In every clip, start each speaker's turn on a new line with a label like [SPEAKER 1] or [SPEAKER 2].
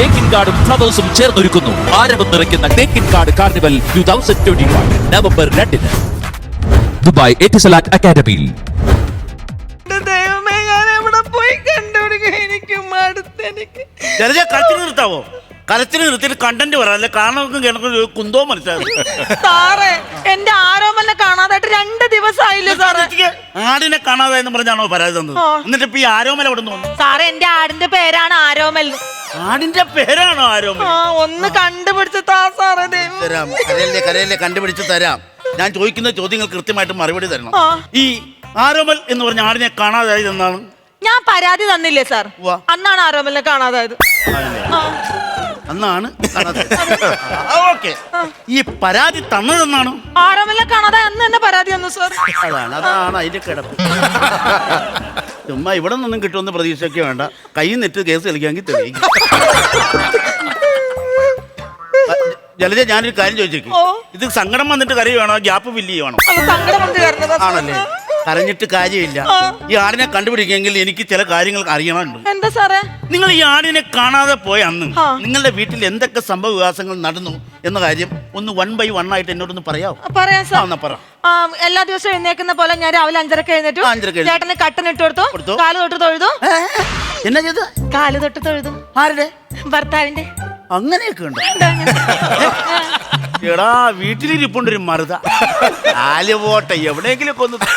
[SPEAKER 1] തേക്കിൻകാടും ഫ്ലവേഴ്സും ചേർന്നൊരുക്കുന്നു ആരവം നിറയ്ക്കുന്ന Thekkinkadu carnival 2021 November 2 Dubai Etisalat അക്കാദമിയിൽ.
[SPEAKER 2] ദൈവമേ, ഞാൻ എവിടെ പോയി കണ്ടുപിടിക്കും? എനിക്ക് മടുത്തെനിക്ക്.
[SPEAKER 3] കരച്ചിൽ നിർത്താവോ? കരച്ചിൽ നിർത്തിയിട്ട് കണ്ടന്റ് പറയാം. കാരണം കുന്തോ മനസ്സിലാവും.
[SPEAKER 2] സാറേ, എന്റെ ആരോമലിനെ കാണാതായിട്ട് 2 ദിവസമായില്ലേ സാറേ?
[SPEAKER 3] ആടിനെ കാണാതായെന്ന് പറഞ്ഞാണോ പരാതി തന്നത്? എന്നിട്ട് ഇപ്പൊ ഈ ആരോമൽ എവിടെ നിന്ന് വന്നു?
[SPEAKER 2] സാറേ, എന്റെ ആടിന്റെ പേരാണ് ആരോമൽ.
[SPEAKER 3] ആടിന്റെ പേരാണോ ആരോമൽ?
[SPEAKER 2] ഒന്ന് കണ്ടുപിടിച്ച് താ സാറേ.
[SPEAKER 3] തരാം, കരയല്ലേ കണ്ടുപിടിച്ച് തരാം. ഞാൻ ചോദിക്കുന്ന ചോദ്യങ്ങൾ കൃത്യമായിട്ട് മറുപടി തരണം. ഈ ആരോമൽ എന്ന് പറഞ്ഞ ആടിനെ കാണാതായത് എന്നാണ്
[SPEAKER 2] ഞാൻ പരാതി തന്നില്ലേ സാർ? അന്നാണ് ആരോമലിനെ കാണാതായത്.
[SPEAKER 3] അന്നാണ് ഓക്കെ. ഈ പരാതി തന്നതെന്നാണ്?
[SPEAKER 2] ആരോമലിനെ കാണാതായ അന്ന് തന്നെ പരാതി തന്നു സാർ.
[SPEAKER 3] അതാണ് അതിന്റെ കിടപ്പ്. ചുമ്മാ ഇവിടെ നിന്നും കിട്ടുമെന്ന് പ്രതീക്ഷയൊക്കെ വേണ്ട. കൈ നെറ്റ് കേസ് കളിക്കാമെങ്കിൽ തെളിയിക്കും. ജലജ, ഞാനൊരു കാര്യം ചോദിച്ചേക്കും. ഇത് സങ്കടം വന്നിട്ട് കരയുവാണോ ഗ്യാപ്പ് ഫില്ല് ചെയ്യുവാണോ? ആണല്ലേ? കരഞ്ഞിട്ട് കാര്യമില്ല. ഈ ആടിനെ കണ്ടുപിടിക്കുമെങ്കിൽ എനിക്ക് ചില കാര്യങ്ങൾ അറിയണമുണ്ട്.
[SPEAKER 2] എന്താ സാറേ?
[SPEAKER 3] നിങ്ങൾ ഈ ആടിനെ കാണാതെ പോയ അന്ന് നിങ്ങളുടെ വീട്ടിൽ എന്തൊക്കെ സംഭവ വികാസങ്ങൾ നടന്നു എന്ന കാര്യം ഒന്ന് 1 by 1 ആയിട്ട് എന്നോടൊന്ന് പറയാമോ?
[SPEAKER 2] പറയാം സാർ.
[SPEAKER 3] പറ.
[SPEAKER 2] എല്ലാ ദിവസവും എഴുന്നേക്കുന്ന പോലെ ഞാൻ രാവിലെ 5:30 എഴുന്നേറ്റു. ചേട്ടന് കട്ടനിട്ട് കൊടുത്തു. കാല് തൊട്ട് തൊഴുതു.
[SPEAKER 3] എന്നാ ചെയ്ത്?
[SPEAKER 2] കാല് തൊട്ട് തൊഴുതു.
[SPEAKER 3] ആരുടെ?
[SPEAKER 2] ഭർത്താവിന്റെ.
[SPEAKER 3] അങ്ങനെയൊക്കെ ഉണ്ട്. എടാ, വീട്ടിലിരിപ്പുണ്ടൊരു മറുത. കാല് പോട്ടെ, എവിടെയെങ്കിലും ഒക്കെ ഒന്നുമില്ല.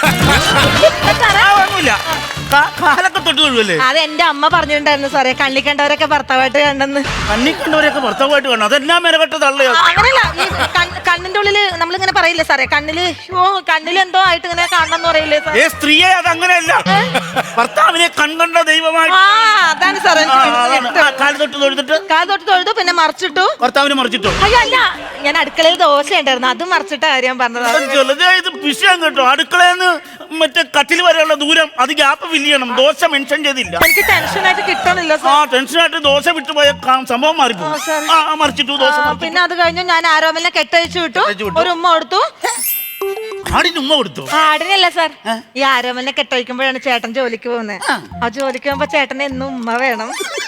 [SPEAKER 3] കാലൊക്കെ തൊട്ട് തൊഴുവല്ലേ?
[SPEAKER 2] അത് എന്റെ അമ്മ പറഞ്ഞിട്ടുണ്ടായിരുന്നു സാറേ, കണ്ണി കണ്ടവരൊക്കെ ഭർത്താവായിട്ട് കണ്ടെന്ന്.
[SPEAKER 3] കണ്ണി കണ്ടവരൊക്കെ ഭർത്താവായിട്ട് കാണണം. അതെല്ലാം മെനക്കെട്ട തള്ളയോ?
[SPEAKER 2] അങ്ങനെയല്ല, ഈ കണ്ണിന്റെ ഉള്ളില് നമ്മളിങ്ങനെ പറയില്ലേ സാറേ, കണ്ണിൽ എന്തോ ആയിട്ട് ഇങ്ങനെ കാണണമെന്ന് പറയില്ലേ സാർ?
[SPEAKER 3] സ്ത്രീയെ അതങ്ങനെയല്ല, ഭർത്താവിനെ കൺകണ്ട ദൈവമായിട്ട്.
[SPEAKER 2] അതാണ് സാറേ.
[SPEAKER 3] കാല് തൊട്ട് തൊഴുതിട്ട്
[SPEAKER 2] കാല് തൊട്ട് തൊഴുതു, പിന്നെ മറിച്ചിട്ടു.
[SPEAKER 3] ഭർത്താവിനെ മറിച്ചിട്ടോ?
[SPEAKER 2] അയ്യോ അല്ല, ഞാൻ അടുക്കളയിൽ ദോശ ഉണ്ടായിരുന്നു, അത് മറിച്ചിട്ട കാര്യം പറഞ്ഞത്.
[SPEAKER 3] ഇത് വിഷയം കേട്ടോ. അടുക്കളയെന്ന് മറ്റേ കട്ടിൽ വരെയുള്ള ദൂരം അത് ഗ്യാപ്പ് ഫില്ല് ചെയ്യണം. ദോശ മെൻഷൻ ചെയ്തില്ല.
[SPEAKER 2] എനിക്ക് ടെൻഷനായിട്ട് കിട്ടണില്ല.
[SPEAKER 3] ടെൻഷനായിട്ട് ദോശ വിട്ടുപോയ സംഭവം മാറിപ്പോകും. മറിച്ചിട്ടു ദോശ.
[SPEAKER 2] പിന്നെ അത് കഴിഞ്ഞു ഞാൻ ആരോമലിനെ കെട്ടഴിച്ചു വിട്ടു. ഒരു ഉമ്മ കൊടുത്തു.
[SPEAKER 3] ആടിന് ഉമ്മ കൊടുത്തു?
[SPEAKER 2] ആടിനല്ല സാർ, ഈ ആരോമലിനെ കെട്ടഴിക്കുമ്പോഴാണ് ചേട്ടൻ ജോലിക്ക് പോകുന്നത്. ആ ജോലിക്ക് പോകുമ്പോ ചേട്ടന് എന്നും ഉമ്മ വേണം.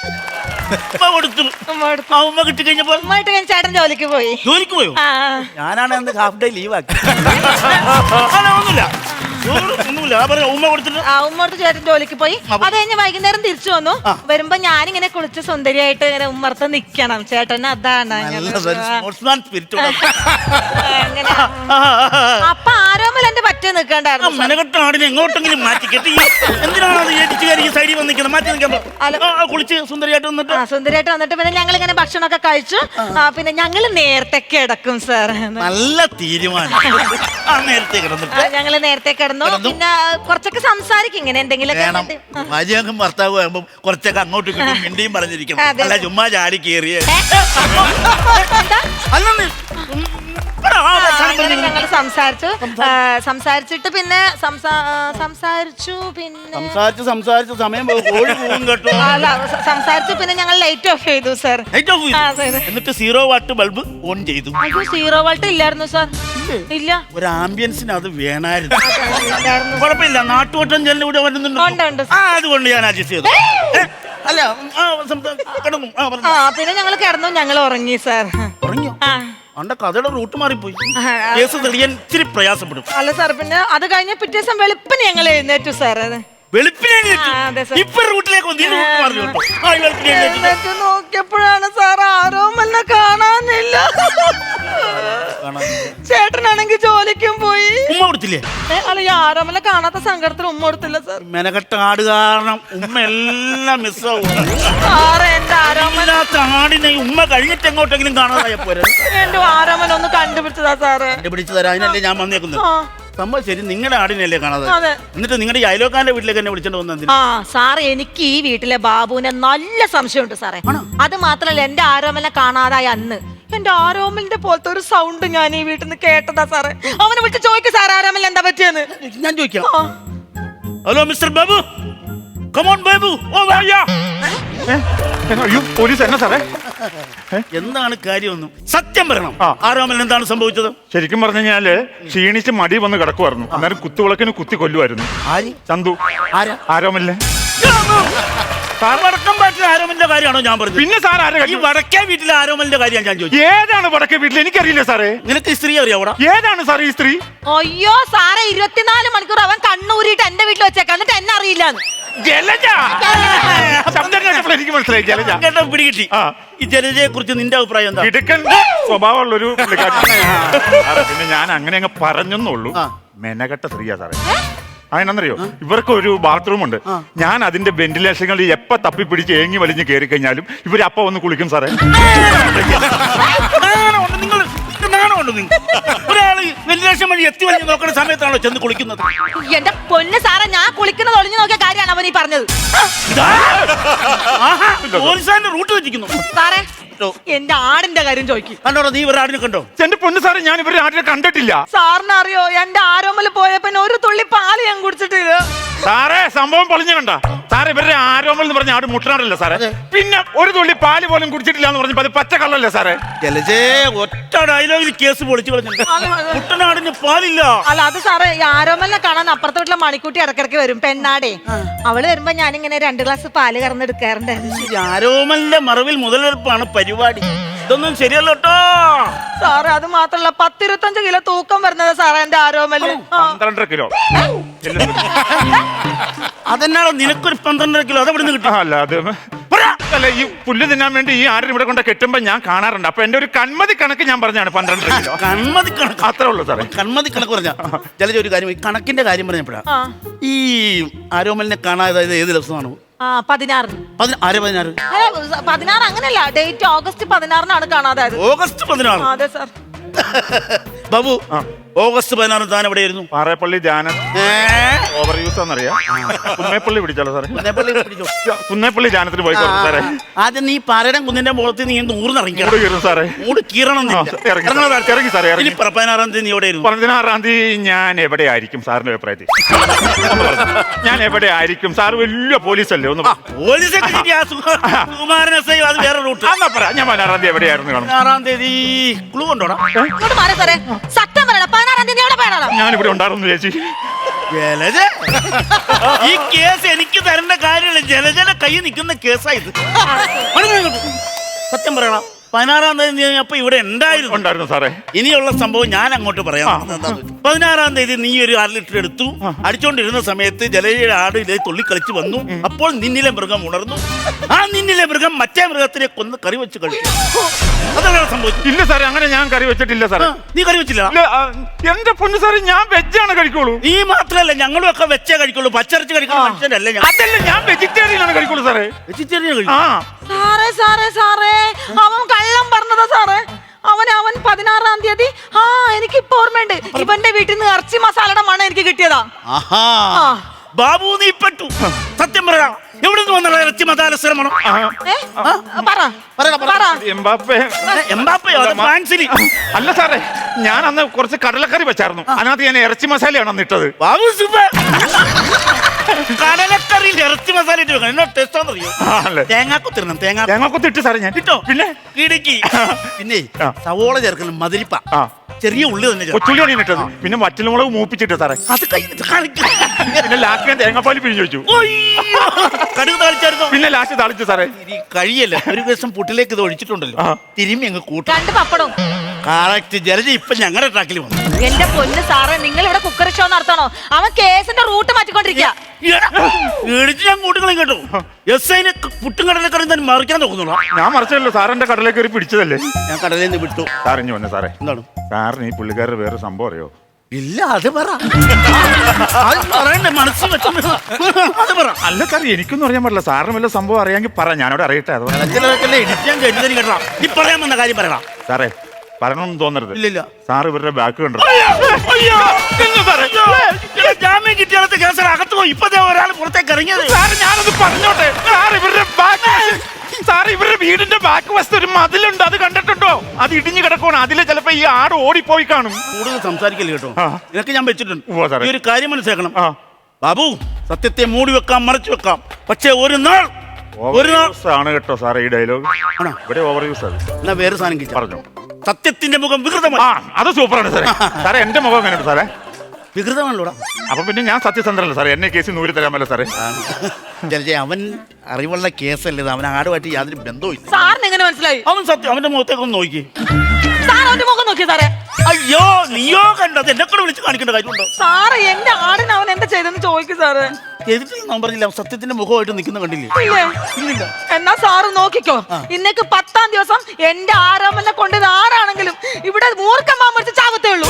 [SPEAKER 3] ഉമ്മ കിട്ടി കഴിഞ്ഞപ്പോ
[SPEAKER 2] ചേട്ടൻ ജോലിക്ക് പോയി.
[SPEAKER 3] ജോലിക്ക് പോയോ? ഞാനാണ് അന്ന് ഹാഫ് ഡേ ലീവ് ആക്കി.
[SPEAKER 2] ഉമ്മ കൊടുത്ത് ചേട്ടൻ ജോലിക്ക് പോയി. അത് കഴിഞ്ഞ് വൈകുന്നേരം തിരിച്ചു വന്നു. വരുമ്പോ ഞാനിങ്ങനെ കുളിച്ച് സുന്ദരിയായിട്ട് ഇങ്ങനെ ഉമ്മർത്ത് നിക്കണം. ചേട്ടന് അതാണ്. അപ്പൊ ആരോമൽ എന്റെ പറ്റേ നിൽക്കണ്ടായിരുന്നു.
[SPEAKER 3] മെനക്കെട്ടാടിനെ എങ്ങോട്ടെങ്കിലും മാറ്റി കെട്ടി. എന്തിനാണ് സൈഡിൽ വന്നിരിക്കുന്നത്? മാറ്റി നിൽക്കാൻ കുളിച്ച് സുന്ദരിയായിട്ട് വന്നിട്ട്
[SPEAKER 2] സുന്ദരിയായിട്ട് വന്നിട്ട് പിന്നെ ഞങ്ങൾ ഇങ്ങനെ ഭക്ഷണമൊക്കെ കഴിച്ചു. പിന്നെ ഞങ്ങള് നേരത്തെ കിടക്കും സാർ.
[SPEAKER 3] നല്ല തീരുമാനം. നേരത്തെ കിടന്നിട്ട്
[SPEAKER 2] ഞങ്ങള് നേരത്തെ കിടന്നു. പിന്നെ കുറച്ചൊക്കെ സംസാരിക്കും ഇങ്ങനെ എന്തെങ്കിലും.
[SPEAKER 3] ഭാര്യക്കും ഭർത്താവും ആകുമ്പോൾ കുറച്ചൊക്കെ അങ്ങോട്ടും ഇങ്ങോട്ടും മിണ്ടിയും പറഞ്ഞിരിക്കണം. അല്ല ചുമ്മാ ചാടി കയറിയ
[SPEAKER 2] ഞങ്ങള് സംസാരിച്ചിട്ട് പിന്നെ
[SPEAKER 3] സംസാരിച്ചു സമയം കേട്ടോ.
[SPEAKER 2] സംസാരിച്ചു പിന്നെ ഞങ്ങൾ ലൈറ്റ് ഓഫ് ചെയ്തു സാർ.
[SPEAKER 3] എന്നിട്ട് 0 വാട്ട് ബൾബ് ഓൺ ചെയ്തു.
[SPEAKER 2] 0 വാട്ട് ഇല്ലായിരുന്നു സാർ. ഇല്ല, ഒരു
[SPEAKER 3] ആംബിയൻസിന് അത് വേണമായിരുന്നു. കുഴപ്പമില്ല, നാട്ടുവട്ടം ചെല്ലിലൂടെ വരുന്നുണ്ട്. അതുകൊണ്ട് ഞാൻ അഡ്ജസ്റ്റ് ചെയ്തു. അല്ല കിടന്നു.
[SPEAKER 2] പിന്നെ ഞങ്ങൾ കിടന്നു, ഞങ്ങൾ ഉറങ്ങി സാർ.
[SPEAKER 3] ഉറങ്ങിയോ? അണ്ട കഥയുടെ റൂട്ട് മാറിപ്പോയി. കേസ് തെളിയാൻ ഇച്ചിരി പ്രയാസപ്പെടും.
[SPEAKER 2] അല്ല സാർ, പിന്നെ അത് കഴിഞ്ഞ പിറ്റേ ദിവസം വെളുപ്പിന് ഞങ്ങൾ എഴുന്നേറ്റു സാർ. നോക്കിയപ്പോഴാണ് സാർ ആരോമലിനെ കാണാനില്ല. ചേട്ടനാണെങ്കിൽ ജോലിക്കും പോയി.
[SPEAKER 3] ഉമ്മ കൊടുത്തില്ലേ?
[SPEAKER 2] അല്ല, ഈ ആരോമലിനെ കാണാത്ത സങ്കടത്തിൽ ഉമ്മ കൊടുത്തില്ല സാർ.
[SPEAKER 3] മെനക്കെട്ട ആട് കാരണം ഉമ്മ എല്ലാം മിസ്സാവും.
[SPEAKER 2] എന്റെ
[SPEAKER 3] ആടിനെ ഉമ്മ കഴിഞ്ഞിട്ട് എങ്ങോട്ടെങ്കിലും കാണാതായ പോരാ.
[SPEAKER 2] എന്റെ ആരോമലൊന്ന് കണ്ടുപിടിച്ചതാ സാറ്.
[SPEAKER 3] കണ്ടുപിടിച്ചു തരാം. അതിനല്ലേ ഞാൻ വന്നേക്കുന്നത്. സംഭവം ശരി, നിങ്ങളുടെ ആടിനല്ലേ കാണാതെ. എന്നിട്ട് നിങ്ങളുടെ ഈ അയലോക്കാരന്റെ വീട്ടിലേക്ക് എന്നെ വിളിച്ചോണ്ട് വന്നത്?
[SPEAKER 2] സാർ, എനിക്ക് ഈ വീട്ടിലെ ബാബുവിനെ നല്ല സംശയമുണ്ട് സാറേ. അത് മാത്രല്ല, എന്റെ ആരോമലിനെ കാണാതായ അന്ന് എന്റെ ആരോമലിന്റെ പോലത്തെ ഒരു സൗണ്ട് ഞാൻ ഈ വീട്ടിൽ നിന്ന് കേട്ടതാ സാറേ. അവനെ വിളിച്ച് ചോദിക്കും സാർ, ആരോമലിന് എന്താ പറ്റിയെന്ന്.
[SPEAKER 3] ഞാൻ ചോദിക്കാം. Hello mister Babu, come on Babu. ഓ വായാ.
[SPEAKER 4] പോലീസ് എന്നാ സാറേ?
[SPEAKER 3] എന്താണ് കാര്യമൊന്നും സത്യം പറയണം. ആരോമലിന് എന്താണ് സംഭവിച്ചത്?
[SPEAKER 4] ശരിക്കും പറഞ്ഞു കഴിഞ്ഞാല് ക്ഷീണിച്ച് മടി വന്ന് കിടക്കുമായിരുന്നു. അന്നേരം കുത്തുവിളക്കിന് കുത്തി കൊല്ലുമായിരുന്നു. ചന്തു. ആരോമലിനെ
[SPEAKER 3] വടക്കം വീട്ടിലെ ആരോമലിന്റെ കാര്യമാണോ ഞാൻ പറഞ്ഞത്?
[SPEAKER 4] പിന്നെ സാർ ആരെ
[SPEAKER 3] ഈ വടക്കേ വീട്ടിലെ ആരോമലിന്റെ കാര്യമാണ് ഞാൻ ചോദിച്ചത്.
[SPEAKER 4] ഏതാണ് വടക്കേ വീട്ടിൽ? എനിക്കറിയില്ല സാറേ.
[SPEAKER 3] നിനക്ക് ഈ സ്ത്രീ അറിയാവൂടാ?
[SPEAKER 4] ഏതാണ് സാർ ഈ സ്ത്രീ?
[SPEAKER 2] അയ്യോ സാറേ 24 മണിക്കൂർ അവൻ കണ്ണൂരിട്ട് എന്റെ വീട്ടിൽ വെച്ചേക്കാം, എന്നിട്ട് എന്നെ അറിയില്ലാന്ന്.
[SPEAKER 4] ജലജ. ശബ്ദം കേട്ടപ്പോൾ എനിക്ക് മനസ്സിലായി ജലജ.
[SPEAKER 3] കേട്ടോ പിടികിട്ടി.
[SPEAKER 4] ആ.
[SPEAKER 3] ഈ ജലജയെ കുറിച്ച് നിന്റെ അഭിപ്രായം എന്താ?
[SPEAKER 4] ഇടുക്കൻ സ്വഭാവമുള്ളൊരു പിന്നെ ഞാൻ അങ്ങനെ അങ്ങ് പറഞ്ഞെന്നുള്ളൂ. മെനകെട്ട സ്ത്രീയാ സാറേ. അതിനെന്നറിയോ, ഇവർക്ക് ഒരു ബാത്റൂം ഉണ്ട്. ഞാൻ അതിന്റെ വെന്റിലേഷനുകളിൽ എപ്പ തപ്പിപ്പിടിച്ച് ഏങ്ങി വലിഞ്ഞ് കയറി കഴിഞ്ഞാലും ഇവര് അപ്പ വന്ന് കുളിക്കും സാറേ.
[SPEAKER 3] ഒരാള് വെന്റിലേഷൻ വഴി എത്തി വലിഞ്ഞ് നോക്കുന്ന സമയത്താണോ ചെന്ന് കുളിക്കുന്നത്?
[SPEAKER 2] എന്റെ പൊന്ന് സാറേ, ഞാൻ കുളിക്കുന്നത് ഒളിഞ്ഞു നോക്കിയ കാര്യമാണ് അവൻ ഈ പറഞ്ഞത്.
[SPEAKER 3] പോലീസുകാരന്റെ റൂട്ട് വെച്ചിരിക്കുന്നു.
[SPEAKER 2] സാറേ എന്റെ ആടിന്റെ കാര്യം ചോദിക്കും.
[SPEAKER 3] കണ്ടോടോ, നീ ഇവരുടെ ആടിനെ കണ്ടോ?
[SPEAKER 4] എന്റെ പൊന്ന് സാറേ, ഞാൻ ഇവരുടെ ആടിനെ കണ്ടിട്ടില്ല.
[SPEAKER 2] സാറിന് അറിയോ, എന്റെ ആരോമൽ പോയപ്പോ ഒരു തുള്ളി പാല് ഞാൻ കുടിച്ചിട്ടില്ല.
[SPEAKER 4] സാറേ സംഭവം പൊളിഞ്ഞു കണ്ട സാറേ. ഇവരുടെ ആരോമൽ എന്ന് പറഞ്ഞ ആട് മുട്ടനാടല്ലേ സാറേ? പിന്നെ ഒരു തുള്ളി പാല് പോലും കുടിച്ചിട്ടില്ല എന്ന് പറഞ്ഞപ്പോ അത് പച്ച കള്ളല്ലേ സാറേ?
[SPEAKER 3] ജലജേ, ഒറ്റ ഡയലോഗിൽ കേസ് പൊളിച്ചു കളഞ്ഞിട്ടുണ്ട്. മുട്ടനാടിന് പാലില്ല.
[SPEAKER 2] അല്ല അത് സാറേ, ഈ ആരോമലിനെ കാണാൻ അപ്പുറത്തെ വീട്ടിലെ മണിക്കൂട്ടി ഇടക്കിടക്ക് വരും, പെണ്ണാടേ. അവള് വരുമ്പോ ഞാനിങ്ങനെ 2 ഗ്ലാസ് പാല് കറന്നെടുക്കാറുണ്ടായിരുന്നു.
[SPEAKER 3] ആരോമലിന്റെ മറവിൽ മുതലെടുപ്പാണ് പരിപാടി. ഇതൊന്നും ശരിയല്ല കേട്ടോ
[SPEAKER 2] സാറേ. അത് മാത്രല്ല 10-25 കിലോ തൂക്കം വരുന്നത് സാറേ എന്റെ ആരോമല്.
[SPEAKER 4] 12 കിലോ.
[SPEAKER 3] അതെന്നാണോ നിനക്കൊരു 12 കിലോ? അതെവിടെ നിന്ന് കിട്ടും?
[SPEAKER 4] അല്ല അത് അല്ല, ഈ പുല്ല് തിന്നാൻ വേണ്ടി ഈ ആടിനെ ഇവിടെ കൊണ്ട് കെട്ടുമ്പോ ഞാൻ കാണാറുണ്ട്. അപ്പൊ എന്റെ ഒരു കൺമതി കണക്ക് ഞാൻ പറഞ്ഞാണ് 12 കിലോ.
[SPEAKER 3] കൺമതി കണക്ക്
[SPEAKER 4] അത്രേ ഉള്ളൂ സാറേ.
[SPEAKER 3] കൺമതി കണക്ക് പറഞ്ഞ ജലജ ഒരു കാര്യം, ഈ കണക്കിന്റെ കാര്യം പറഞ്ഞപ്പോഴാ ഈ ആരോമലിനെ കാണാതെ ഏത് ദിവസമാണോ?
[SPEAKER 2] 16. 16 അങ്ങനല്ല, ഡേറ്റ് ഓഗസ്റ്റ് 16 കാണാതായത്.
[SPEAKER 3] ഓഗസ്റ്റ് 16?
[SPEAKER 2] അതെ സാർ.
[SPEAKER 3] ബാബു, ഓഗസ്റ്റ് 16 താൻ എവിടെയായിരുന്നു?
[SPEAKER 4] പാറേപ്പള്ളി ധ്യാനം ഓവർ യൂസ് ആണെന്നറിയാം. കുന്നേപ്പള്ളി പിടിച്ചാലോ സാറേ? കുന്നേപ്പള്ളി ധ്യാനത്തിന് പോയി സാറേ.
[SPEAKER 3] ആദ്യം നീ പാറയുടെ കുന്നിന്റെ മുഖത്ത് നീ ഊർന്നിറങ്ങി
[SPEAKER 4] സാറേ.
[SPEAKER 3] കീറണം.
[SPEAKER 4] ഇറങ്ങി സാറേ.
[SPEAKER 3] 16 തീയതി നീ എവിടെയായിരുന്നു?
[SPEAKER 4] 16 തീയതി ഞാൻ എവിടെ ആയിരിക്കും സാറിന്റെ അഭിപ്രായത്തിൽ? ഞാൻ എവിടെ ആയിരിക്കും സാർ? വലിയ പോലീസല്ലേ? ഒന്ന്
[SPEAKER 3] അത് വേറെ റൂട്ട്.
[SPEAKER 4] ഞാൻ 16 തീയതി എവിടെയായിരുന്നു കാണും?
[SPEAKER 3] 16 തീയതി ക്ലൂ കൊണ്ടോടാ.
[SPEAKER 2] സത്യം പറയണം, 16 തീയതി എവിടെ പോയതാണോ?
[SPEAKER 4] ഞാനിവിടെ ഉണ്ടായിരുന്നു ചേച്ചി.
[SPEAKER 3] ജലജ, ഈ കേസ് എനിക്ക് തരേണ്ട കാര്യമില്ല. ജലജയുടെ കൈ നിൽക്കുന്ന കേസായത്. സത്യം പറയണം, 16 തീയതി നീ അപ്പൊ ഇവിടെ ഉണ്ടായിരുന്നു
[SPEAKER 4] സാറേ.
[SPEAKER 3] ഇനിയുള്ള സംഭവം ഞാൻ അങ്ങോട്ട് പറയാം. 16 തീയതി നീ ഒരു 1/2 ലിറ്റർ എടുത്തു. അടിച്ചോണ്ടിരുന്ന സമയത്ത് ജലജയുടെ ആട് ഇതേ തുള്ളി കളിച്ച് വന്നു. അപ്പോൾ നിന്നിലെ മൃഗം ഉണർന്നു. ആ നിന്നിലെ മൃഗം മറ്റേ മൃഗത്തിനെ കൊന്ന് കറി വെച്ച് കഴിച്ചു. അതാണ് സംഭവിച്ചത്.
[SPEAKER 4] ഇല്ല സാറേ, അങ്ങനെ ഞാൻ കറി വെച്ചിട്ടില്ല സാറേ.
[SPEAKER 3] നീ കറി വെച്ചില്ല?
[SPEAKER 4] എന്റെ പൊന്നു സാറേ, ഞാൻ വെജാണ് കഴിക്കുള്ളൂ.
[SPEAKER 3] നീ മാത്രല്ല, ഞങ്ങളും ഒക്കെ വെച്ചേ കഴിക്കുള്ളൂ. പച്ചരച്ച് കഴിക്കുന്ന മനുഷ്യനല്ലേ ഞാൻ.
[SPEAKER 4] അതല്ല, ഞാൻ വെജിറ്റേറിയൻ ആണ് കഴിക്കുള്ളൂ സാറേ.
[SPEAKER 3] വെജിറ്റേറിയൻ കഴിക്കും?
[SPEAKER 2] സാറേ അവൻ കള്ളം പറഞ്ഞതാ സാറേ. അവൻ 16 തീയതി എനിക്കിപ്പോ ഓർമ്മയുണ്ട്. ഇവന്റെ വീട്ടിൽ നിന്ന് ഇറച്ചി മസാലയുടെ മണം എനിക്ക് കിട്ടിയതാ.
[SPEAKER 3] ബാബു, നീ പെട്ടു. സത്യം പറയാ, എവിടെ നിന്ന് വന്ന ഇറച്ചി മസാല ശ്രമണം?
[SPEAKER 4] അല്ല സാറേ, ഞാൻ അന്ന് കുറച്ച് കടലക്കറി വെച്ചായിരുന്നു. അതിനകത്ത് ഞാൻ ഇറച്ചി മസാലയാണ് അന്ന് ഇട്ടത്.
[SPEAKER 3] ബാബു കടലക്കറിയിൽ ഇറച്ചി മസാല ഇട്ട് വെക്കണം. എന്നോ ടേസ്റ്റ് അറിയോ? തേങ്ങാക്കൊത്തിരണം.
[SPEAKER 4] തേങ്ങാക്കൊത്തിട്ട് സാറേ ഞാൻ
[SPEAKER 3] കിട്ടോ? പിന്നെ പിന്നെ സവോള ചേർക്കണം, മധുരിപ്പ, ചെറിയ ഉള്ളി തന്നെ
[SPEAKER 4] കൊച്ചുള്ളിയാണ് ഇട്ടത്. പിന്നെ വറ്റൽമുളക് മൂപ്പിച്ചിട്ട് സാറേ.
[SPEAKER 3] അത്
[SPEAKER 4] പിന്നെ ലാസ്റ്റ് ഞാൻ തേങ്ങാപ്പാൽ പിഴിഞ്ഞു വെച്ചു.
[SPEAKER 3] കടുക് താളിച്ചായിരുന്നു.
[SPEAKER 4] പിന്നെ ലാസ്റ്റ് താളിച്ചു സാറേ.
[SPEAKER 3] കഴിയല്ല, ഒരു ദിവസം പുട്ടിലേക്ക് ഇത് ഒഴിച്ചിട്ടുണ്ടല്ലോ, തിരുമ്മി അങ്ങ് കൂട്ടും.
[SPEAKER 2] 2 പപ്പടവും.
[SPEAKER 3] കറക്റ്റ്. ജലജ ഇപ്പൊ ഞങ്ങളുടെ ട്രാക്കിൽ വന്നു.
[SPEAKER 2] എന്റെ പൊന്ന് സാറേ, നിങ്ങൾ ഇവിടെ കുക്കറി ഷോ നടത്തണോ? അവൻ കേസിന്റെ റൂട്ട് മാറ്റിക്കൊണ്ടിരിക്കുക.
[SPEAKER 3] ഞാൻ കൂട്ടുകളും കേട്ടോ. എസ്ഐനെ പുട്ടും കടലക്കറിയും തന്നെ മറിക്കാൻ നോക്കുന്നുള്ളൂ.
[SPEAKER 4] ഞാൻ മറിച്ചല്ലോ, സാറിന്റെ കടലേക്കറി പിടിച്ചതല്ലേ.
[SPEAKER 3] ഞാൻ കടലിൽ നിന്ന് വിട്ടു.
[SPEAKER 4] സാറിഞ്ഞു വന്നെ സാറേ.
[SPEAKER 3] എന്താണ്
[SPEAKER 4] സാറിന് ഈ പുള്ളിക്കാരുടെ വേറെ സംഭവം അറിയോ?
[SPEAKER 3] ഇല്ല, അത് പറ. പറയണ്ടേ, മനസ്സിൽ വെച്ചു. അത് പറ.
[SPEAKER 4] അല്ല സാർ, എനിക്കൊന്നും അറിയാൻ പാടില്ല. സാറിന് വല്ല സംഭവം അറിയാമെങ്കിൽ പറ, ഞാനവിടെ അറിയട്ടെ. അത്
[SPEAKER 3] ഇടിച്ചാൻ കേട്ടു കേട്ടോ. ഈ പറയാൻ വന്ന കാര്യം പറയണം
[SPEAKER 4] സാറേ. പറയണമെന്ന് തോന്നരുത്.
[SPEAKER 3] ഇല്ലില്ല.
[SPEAKER 4] സാർ ഇവരുടെ ബാക്ക് കണ്ടോ?
[SPEAKER 3] ജാമ്യം കിട്ടിയാലത്തെ കേസ് അകത്ത് പോയി. ഇപ്പത്തെ ഒരാൾ പുറത്തേക്ക് ഇറങ്ങിയത്.
[SPEAKER 4] സാർ ഞാനത് പറഞ്ഞോട്ടെ. സാർ ഇവരുടെ വീടിന്റെ ബാക്ക് വശത്ത് ഒരു മതിലുണ്ട്, അത് കണ്ടിട്ടുണ്ടോ? അത് ഇടിഞ്ഞു കിടക്കണം. അതില് ചിലപ്പോ ഈ ആട് ഓടിപ്പോയി കാണും.
[SPEAKER 3] കൂടുതൽ സംസാരിക്കല്ലേ കേട്ടോ. ഇതൊക്കെ ഞാൻ വെച്ചിട്ടുണ്ട്.
[SPEAKER 4] ഈ
[SPEAKER 3] ഒരു കാര്യം മനസ്സിലാക്കണം ബാബു, സത്യത്തെ മൂടി വെക്കാം, മറച്ചു വെക്കാം. പക്ഷെ ഒരു നാൾ
[SPEAKER 4] ആണ് കേട്ടോ സാറേ ഈ ഡയലോഗ്. ഇവിടെ ഓവർ യൂസ് ആണ്.
[SPEAKER 3] എന്നാ വേറെ സാധനം പറഞ്ഞു. സത്യത്തിന്റെ മുഖം വികൃതമാണ്.
[SPEAKER 4] അത് സൂപ്പറാണ് സാറേ. സാറേ എന്റെ മുഖം എങ്ങനെയുണ്ട് സാറേ?
[SPEAKER 3] വികൃതമാണല്ലോടാ.
[SPEAKER 4] അപ്പൊ പിന്നെ ഞാൻ സത്യസന്ധനല്ല സാറേ. എന്നെ കേസിൽ 100 തരാമല്ലോ സാറേ.
[SPEAKER 3] ജലജ അവൻ അറിവുള്ള കേസല്ലേ ഇത്. അവൻ ആടുമായിട്ട് യാതൊരു ബന്ധവും ഇല്ല.
[SPEAKER 2] സാറിന് എങ്ങനെ മനസ്സിലായി?
[SPEAKER 3] അവൻ സത്യം അവന്റെ മുഖത്തേക്കൊന്ന് നോക്കി.
[SPEAKER 2] സാർ അവന്റെ മുഖം നോക്കിയ സാറേ?
[SPEAKER 3] അയ്യോ നീയോ കണ്ടത് എന്നെ കൂടെ വിളിച്ച് കാണിക്കേണ്ട കാര്യമുണ്ടോ?
[SPEAKER 2] സാറ് എന്റെ ആടിന് അവൻ എന്താ ചെയ്തെന്ന് ചോദിക്കും സാറ്.
[SPEAKER 3] ചെയ്തിട്ടില്ല പറഞ്ഞില്ല. സത്യത്തിന്റെ മുഖമായിട്ട് നിൽക്കുന്ന കണ്ടില്ലേ?
[SPEAKER 2] ഇല്ല. എന്നാ സാറ് നോക്കിക്കോ, ഇന്നേക്ക് 10ാം ദിവസം എന്റെ ആരോമലിനെ കൊണ്ട് ആരാണെങ്കിലും ഇവിടെ മൂർഖം പാമ്പ് ചാവത്തേ ഉള്ളൂ.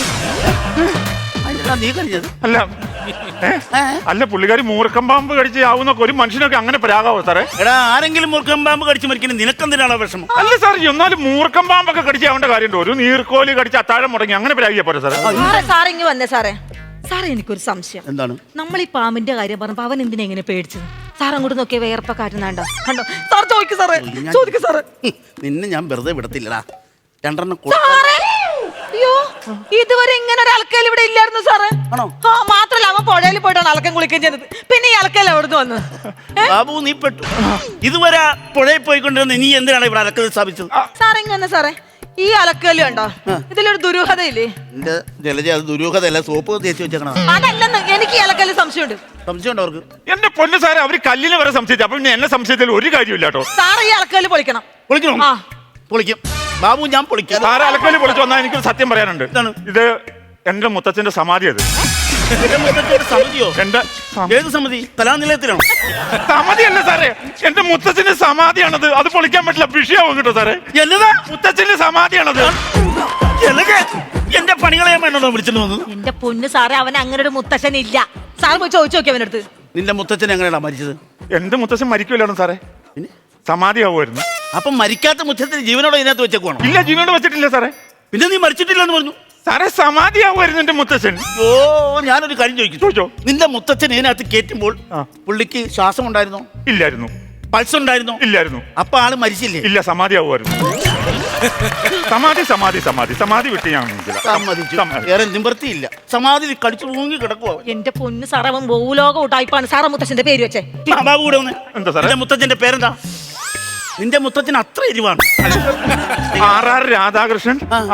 [SPEAKER 3] നീ കഴിഞ്ഞത്
[SPEAKER 4] അല്ല അല്ല പുള്ളിക്കാരി മൂർഖം പാമ്പ് കടിച്ച് ആവുന്നൊക്കെ ഒരു മനുഷ്യനൊക്കെ അങ്ങനെ പ്രാകാവോ സാറേ?
[SPEAKER 3] എടാ ആരെങ്കിലും മൂർഖം പാമ്പ് കടിച്ച് മരിക്കുന്നത് നിനക്കെന്തിനാണ് വിഷമം?
[SPEAKER 4] അല്ല സാർ എന്നാലും മൂർഖം പാമ്പൊക്കെ കടിച്ച് ആവേണ്ട കാര്യമുണ്ടോ? ഒരു നീർക്കോലി കടിച്ച് അത്താഴം മുടങ്ങി അങ്ങനെ പ്രാഗിയാ പോരെ സാറേ?
[SPEAKER 2] സാറേ ഇങ്ങ് വന്നേ സാറേ. സാറേ എനിക്കൊരു സംശയം.
[SPEAKER 3] എന്താണ്?
[SPEAKER 2] നമ്മൾ ഈ പാമ്പിന്റെ കാര്യം പറഞ്ഞപ്പോ അവൻ എന്തിനാ എങ്ങനെ പേടിച്ചത്? സാർ അങ്ങോട്ട് നോക്കിയ വേർപ്പ കാറ്റുന്നാണ്ടോ കണ്ടോ? സാർ ചോദിക്കും സാറേ, ചോദിക്കും സാറേ.
[SPEAKER 3] നിന്നെ ഞാൻ വെറുതെ വിടത്തില്ലടാ. രണ്ടെണ്ണം
[SPEAKER 2] സാറേ, അയ്യോ ഇതുവരെ ഇങ്ങനെ ഒരു അലക്കൽ ഇവിടെ ഇല്ലായിരുന്നു സാറേ.
[SPEAKER 3] ആണോ?
[SPEAKER 2] ആ മാത്രല്ല അവൻ പുഴയിൽ പോയിട്ടാണ് അലക്കം കുളിക്കുകയും ചെയ്തത്. പിന്നെ ഈ അലക്കൽ എവിടുന്ന് വന്നു?
[SPEAKER 3] ബാബു നീ പെട്ടു. ഇതുവരെ പുഴയിൽ പോയിക്കൊണ്ടിരുന്ന നീ എന്തിനാണ് ഇവിടെ അലക്കൽ സ്ഥാപിച്ചത്?
[SPEAKER 2] സാറേ ഇങ്ങ വന്നേ സാറേ. ഈ അലക്കല് കണ്ടോ? ഇതിലൊരു ദുരൂഹതയില്ലേ?
[SPEAKER 3] എന്റെ ജലജ അത് ദുരൂഹതയല്ല, സോപ്പ് തേച്ച് വെച്ചേക്കണ.
[SPEAKER 2] അതല്ലെന്ന് എനിക്ക് ഈ അലക്കല് സംശയമുണ്ട്.
[SPEAKER 3] സംശയമുണ്ട് അവർക്ക്?
[SPEAKER 4] എന്റെ പൊന്നു സാറേ അവര് കല്ലിന് വരെ സംശയിച്ചു. അപ്പൊ പിന്നെ എന്നെ സംശയത്തിൽ ഒരു കാര്യമില്ല കേട്ടോ.
[SPEAKER 2] സാറേ ഈ അലക്കല് പൊളിക്കണം.
[SPEAKER 3] പൊളിക്കണം?
[SPEAKER 2] ആ
[SPEAKER 3] പൊളിക്കും ബാബു, ഞാൻ പൊളിക്കാം.
[SPEAKER 4] സാറ് അലക്കല് പൊളിച്ചു വന്നാൽ എനിക്കൊരു സത്യം പറയാനുണ്ട്. ഇത് എന്റെ മുത്തച്ഛന്റെ സമാധി. അത്
[SPEAKER 3] സമിതിയോ?
[SPEAKER 4] എന്റെ
[SPEAKER 3] ഏത് സമിതി? കലാനിലയത്തിലാണോ?
[SPEAKER 4] സമാധിയല്ല സാറേ, എന്റെ മുത്തച്ഛന്റെ സമാധിയാണത്. അത് പൊളിക്കാൻ പറ്റില്ല, വിഷയാവും കേട്ടോ സാറേ.
[SPEAKER 3] എന്നതാ?
[SPEAKER 4] മുത്തച്ഛന്റെ സമാധിയാണത്.
[SPEAKER 3] എന്റെ പണികളെ വേണോ വിളിച്ചിട്ട് വന്നത്?
[SPEAKER 2] എന്റെ പൊന്ന് സാറേ, അവൻ അങ്ങനെ ഒരു മുത്തശ്ശൻ ഇല്ല. സാർ പോയി ചോദിച്ചു നോക്കി അവനടുത്ത്.
[SPEAKER 3] നിന്റെ മുത്തച്ഛൻ എങ്ങനെയാ മരിച്ചത്?
[SPEAKER 4] എന്റെ മുത്തച്ഛൻ മരിക്കൂലാണ് സാറേ, സമാധിയാവുമായിരുന്നു.
[SPEAKER 3] അപ്പൊ മരിക്കാത്ത മുത്തച്ഛന് ജീവനോടെ ഇതിനകത്ത് വെച്ചേക്കുവാണോ?
[SPEAKER 4] ഇല്ല, ജീവനോട് വെച്ചിട്ടില്ല സാറേ.
[SPEAKER 3] പിന്നെ നീ മരിച്ചിട്ടില്ലെന്ന് പറഞ്ഞു
[SPEAKER 4] സാറേ. സമാധിയാവുമായിരുന്നു എന്റെ മുത്തച്ഛൻ.
[SPEAKER 3] ഓ ഞാനൊരു കാര്യം ചോദിച്ചു. നിന്റെ മുത്തച്ഛൻ ഇതിനകത്ത് കയറ്റുമ്പോൾ പുള്ളിക്ക് ശ്വാസം ഉണ്ടായിരുന്നോ?
[SPEAKER 4] ഇല്ലായിരുന്നു.
[SPEAKER 3] പൾസ് ഉണ്ടായിരുന്നോ?
[SPEAKER 4] ഇല്ലായിരുന്നു.
[SPEAKER 3] അപ്പൊ ആള് മരിച്ചില്ലേ?
[SPEAKER 4] ഇല്ല, സമാധിയാവുമായിരുന്നു. സമാധി സമാധി സമാധി സമാധി വിട്ട് ഞാൻ
[SPEAKER 3] വേറെ നിവൃത്തിയില്ല. സമാധി കടിച്ചു തൂങ്ങി കിടക്കുവോ?
[SPEAKER 2] എന്റെ പൊന്ന് സാറേ, അവൻ ഭൂലോക ഉടായിപ്പാണ്. സാറേ മുത്തച്ഛന്റെ പേര് വെച്ചേ.
[SPEAKER 3] ബാബു കൂടെ വന്ന്.
[SPEAKER 4] എന്താ സാറേ?
[SPEAKER 3] നിന്റെ മുത്തച്ഛന്റെ പേരെന്താ? നിന്റെ മുത്തച്ഛൻ അത്ര എരിവാണ്.
[SPEAKER 4] ആർ രാധാകൃഷ്ണൻ,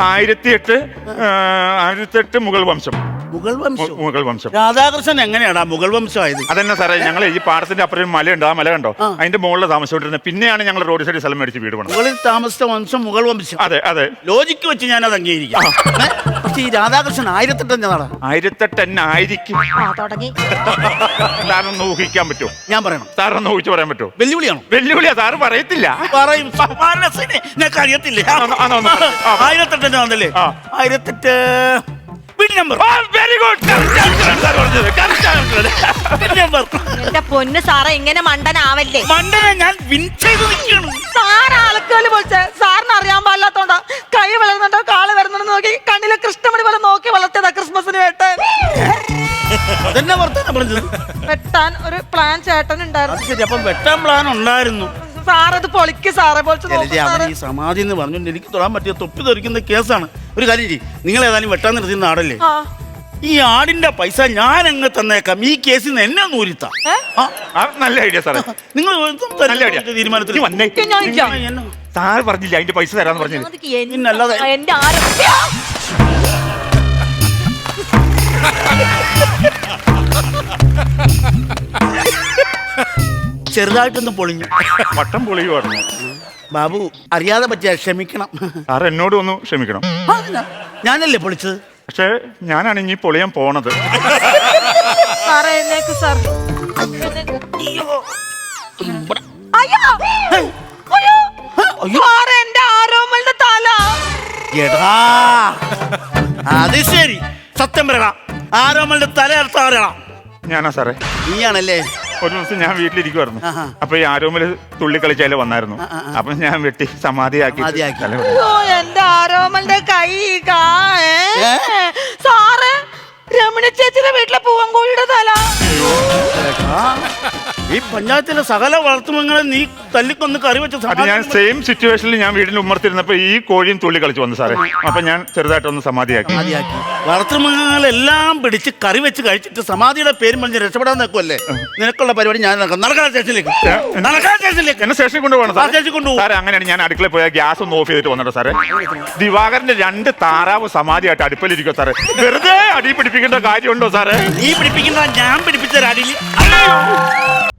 [SPEAKER 4] 1008 മുഗൾ വംശം. മുഗൾ വംശം.
[SPEAKER 3] രാധാകൃഷ്ണൻ എങ്ങനെയാടാ മുഗൾ വംശമായത്?
[SPEAKER 4] അതന്നെ സാറേ, ഞങ്ങൾ ഈ പാടത്തിന്റെ അപ്പുറം മലയുണ്ട്. ആ മല കണ്ടോ? അതിന്റെ മുകളിൽ താമസിച്ചോണ്ടിരുന്നത്. പിന്നെയാണ് ഞങ്ങൾ റോഡ് സൈഡിൽ സ്ഥലം മേടിച്ച് വീട് പണിത്.
[SPEAKER 3] മുകളിൽ താമസിച്ച വംശം മുഗൾ വംശം.
[SPEAKER 4] അതെ അതെ,
[SPEAKER 3] ലോജിക്ക് വെച്ച് ഞാൻ അത് അംഗീകരിക്കാം. പക്ഷെ ഈ രാധാകൃഷ്ണൻ 1008
[SPEAKER 4] 1008 ആയിരിക്കും.
[SPEAKER 2] തുടങ്ങി.
[SPEAKER 4] സാറൊന്ന് ഊഹിക്കാൻ പറ്റുമോ?
[SPEAKER 3] ഞാൻ പറയണം?
[SPEAKER 4] സാറൊന്ന് ഊഹിച്ച് പറയാൻ പറ്റുമോ?
[SPEAKER 3] വെല്ലുവിളിയാണോ?
[SPEAKER 4] വെല്ലുവിളിയാ. സാറ് പറയത്തില്ല.
[SPEAKER 3] പറയും. നിനക്ക് അറിയത്തില്ലേ? 1008 ആണല്ലേ? 1008 വീട് നമ്പർ.
[SPEAKER 4] Very good.
[SPEAKER 2] എന്റെ പൊന്ന് സാറേ, ഇങ്ങനെ മണ്ടനാവല്ലേ.
[SPEAKER 3] മണ്ടനെ ഞാൻ വിൻ ചെയ്ത് നിൽക്കണം.
[SPEAKER 2] സാറ് അലക്കല് പൊളിച്ച സാറിന് അറിയാൻ പാടില്ലാത്തോണ്ടാ. കൈ വളർന്നുണ്ടോ കാള് വരുന്നുണ്ടോ നോക്കി കണ്ണിലെ കൃഷ്ണമണി പോലെ നോക്കി വളർത്തിയതാ ക്രിസ്മസിന് വെട്ടാൻ.
[SPEAKER 3] അതെന്നെ വർത്താനം പറഞ്ഞത്.
[SPEAKER 2] വെട്ടാൻ ഒരു പ്ലാൻ ചേട്ടൻ ഉണ്ടായിരുന്നു.
[SPEAKER 3] ശരി, അപ്പം വെട്ടാൻ പ്ലാൻ ഉണ്ടായിരുന്നു.
[SPEAKER 2] സാറത് പൊളിക്ക് സാറേ, പൊളിച്ച് നോക്ക്
[SPEAKER 3] അവൻ
[SPEAKER 2] സാറേ.
[SPEAKER 3] ഈ സമാധി എന്ന് പറഞ്ഞുകൊണ്ട് എനിക്ക് തൊടാൻ പറ്റിയ തൊപ്പി തെറിക്കുന്ന കേസാണ്. ഒരു കാര്യം ചെയ്യും, നിങ്ങൾ ഏതായാലും വെട്ടാൻ നിർത്തുന്ന ആടല്ലേ?
[SPEAKER 2] ആ.
[SPEAKER 3] ഈ ആടിന്റെ പൈസ ഞാൻ അങ്ങ് തന്നേക്കാം. ഈ കേസിൽ നിന്ന് എന്നെ നൂരിത്താം.
[SPEAKER 4] നല്ല ഐഡിയ സാറേ.
[SPEAKER 3] നിങ്ങൾ
[SPEAKER 4] നല്ല ഐഡിയ.
[SPEAKER 3] തീരുമാനത്തിൽ
[SPEAKER 4] വന്നേ. സാറ് പറഞ്ഞില്ല അതിന്റെ പൈസ തരാന്ന് പറഞ്ഞില്ല.
[SPEAKER 3] പിന്നല്ലാതെ
[SPEAKER 2] എന്റെ ആരോഗ്യ
[SPEAKER 3] ചെറുതായിട്ടൊന്ന് പൊളിഞ്ഞു.
[SPEAKER 4] വട്ടം പൊളിയുമായിരുന്നു.
[SPEAKER 3] ബാബു അറിയാതെ പറ്റിയ ക്ഷമിക്കണം.
[SPEAKER 4] സാർ എന്നോട് ഒന്ന് ക്ഷമിക്കണം.
[SPEAKER 3] ഞാനല്ലേ പൊളിച്ചത്?
[SPEAKER 4] പക്ഷെ ഞാനാണ് ഇനി പൊളിയാൻ പോണത്.
[SPEAKER 2] സാറേ എന്നേക്ക് സാർ. എന്റെ ആരോമലിന്റെ തല.
[SPEAKER 3] എടാ അത് ശരി, സത്യം പറയടാ. ആരോമലിന്റെ തല അടുത്ത ആരാ?
[SPEAKER 4] ഞാനാ സാറേ.
[SPEAKER 3] നീയാണല്ലേ?
[SPEAKER 4] ഒരു ദിവസം ഞാൻ വീട്ടിലിരിക്കുവായിരുന്നു. അപ്പൊ ഈ ആരോമല് തുള്ളി കളിച്ചാല് വന്നായിരുന്നു. അപ്പൊ ഞാൻ വെട്ടി സമാധിയാക്കി.
[SPEAKER 2] അയ്യോ എന്റെ ആരോമലിന്റെ കൈ സാറ് രമണി ചേച്ചിയുടെ വീട്ടിലെ പൂവൻകോഴിയുടെ തല.
[SPEAKER 3] ഈ പഞ്ചായത്തിലെ സകല വളർത്തുമൃഗങ്ങളെ നീ തല്ലിക്കൊന്ന് കറി വെച്ച.
[SPEAKER 4] അത് ഞാൻ സെയിം സിറ്റുവേഷനിൽ ഞാൻ വീടിന്റെ ഉമ്മർത്തിരുന്നപ്പോ ഈ കോഴിയും തുള്ളി കളിച്ചു വന്നു സാറേ. അപ്പൊ ഞാൻ ചെറുതായിട്ടൊന്ന് സമാധിയാക്കി.
[SPEAKER 3] വളർത്തുമൃഗങ്ങളെല്ലാം പിടിച്ച് കറി വെച്ച് കഴിച്ചിട്ട് സമാധിയുടെ പേരും പറഞ്ഞ് രക്ഷപ്പെടാൻ നിൽക്കുമല്ലേ? നിനക്കുള്ള പരിപാടി ഞാൻ നടക്കാൻ സ്റ്റേഷനിലേക്ക്.
[SPEAKER 4] എന്നെ സ്റ്റേഷനിൽ കൊണ്ടുപോകണം സാറേ. അങ്ങനെയാണ് ഞാൻ അടുക്കളയിൽ പോയാൽ ഗ്യാസ് ഒന്ന് ഓഫ് ചെയ്തിട്ട് വന്നിട്ടോ സാറേ. ദിവാകരന്റെ 2 താറാവ് സമാധിയായിട്ട് അടുപ്പിലിരിക്കോ സാറേ. വെറുതെ അടി പിടിപ്പിക്കേണ്ട കാര്യമുണ്ടോ സാറേ?
[SPEAKER 3] നീ പിടിപ്പിക്കുന്ന ഞാൻ പിടിപ്പിച്ച അടിയിൽ